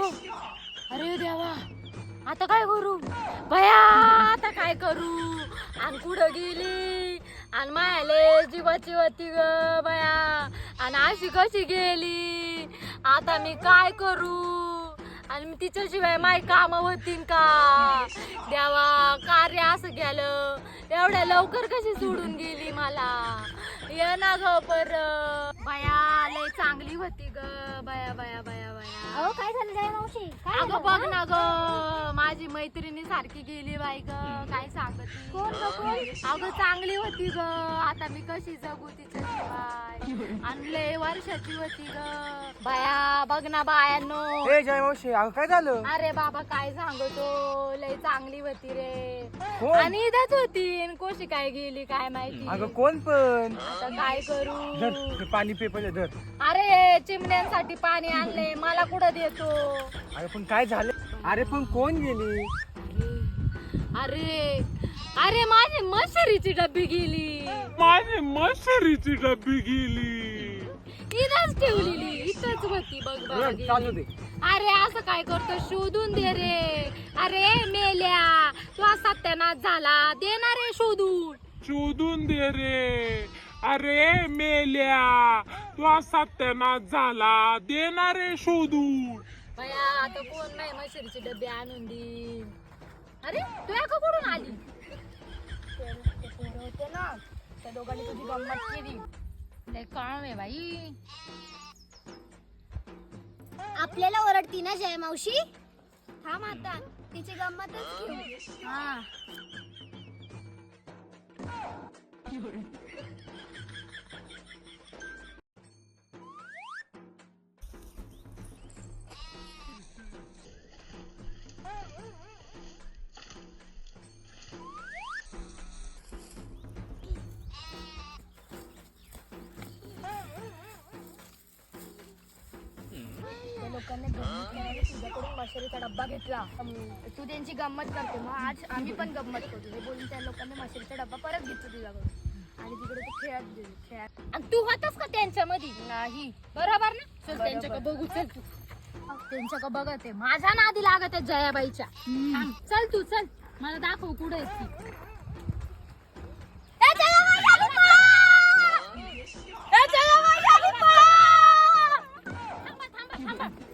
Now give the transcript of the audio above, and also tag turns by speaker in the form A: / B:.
A: अरे देवा, आता काय करू बया, आता काय करू? आणि कुठं गेली आणि मायाले जीवाची होती ग बया, आणि अशी कशी गेली? आता मी काय करू? आणि तिच्याशिवाय माय काम होतीन का? देवा, कार्य असं गेलं, एवढ्या लवकर कशी सोडून गेली मला? ये ना ग पर बया, लय चांगली होती ग बया बया बया बया.
B: अहो काय झालं जया मावशी? काय
A: अगं
B: झालं?
A: बघ ना ग, माझी मैत्रिणी सारखी गेली बाई ग, काय सांगत?
B: कोण ग कोण?
A: अगं चांगली होती ग, आता मी कशी जगू तिच्याशिवाय? आणि लय वर्षाची होती ग बाया, बघ ना बायांनो.
C: ए जय मावशी, अगं काय झालं?
A: अरे बाबा काय सांगतो, लय चांगली होती रे,
C: कोण?
A: आणि इथंच होती, आणि कशी काय गेली काय माहिती?
C: अगं कोण पण?
A: आता काय करू?
C: धर, हे पाणी पे पहिले धर.
A: अरे चिमण्यांसाठी पाणी आणले, मला कुठं देतो?
C: अगं पण काय झालं? अरे पण कोण गेली?
A: अरे अरे माझी मशरीची डब्बी गेली,
D: माझी मशरीची डब्बी गेली.
A: इथंच ठेवलेली, इथंच होती बघ बघ
C: धर, चालू
A: गेली.
C: दे.
A: अरे असं काय करतो, शोधून दे रे. अरे मेल्या, तू सत्यानाश झाला, देणार रे शोधून.
D: शोधून दे रे. अरे मेल्या, तू सत्यानाश झाला, देणारे शोधून.
A: बया, आता कोण नाही मशरीची डब्बी आणून देईन? अरे तू या का कुठून आली?
B: होते ना, त्या दोघांनी तुझी गंमत केली.
A: लय काम आहे बाई.
B: आपल्याला ओरडती ना जया मावशी? थांब आता, तिची गंमतच घेऊ.
A: हा
B: त्या लोकांनी गंमत करायला तुझ्याकडून मशरीचा डब्बा घेतला. तू त्यांची गंमत करते, मग आज आम्ही पण गंमत करतो. हे बोलून त्या लोकांनी मशरीचा डब्बा परत घेतला तुझ्याकडून, आणि तिकडे तू खेळत गेली. खेळत
A: आणि तू होतास का त्यांच्यामध्ये? नाही, बरोबर ना? चल त्यांच्याकडे बघू, चल तू त्यांच्याकडे बघत आहे, माझ्या नादी लागत आहे जयाबाईच्या. थांब, चल तू चल, मला दाखव कुठे आहे ती. ए, जयाबाई आली पळा! ए, जयाबाई आली पळा! थांबा थांबा थांबा,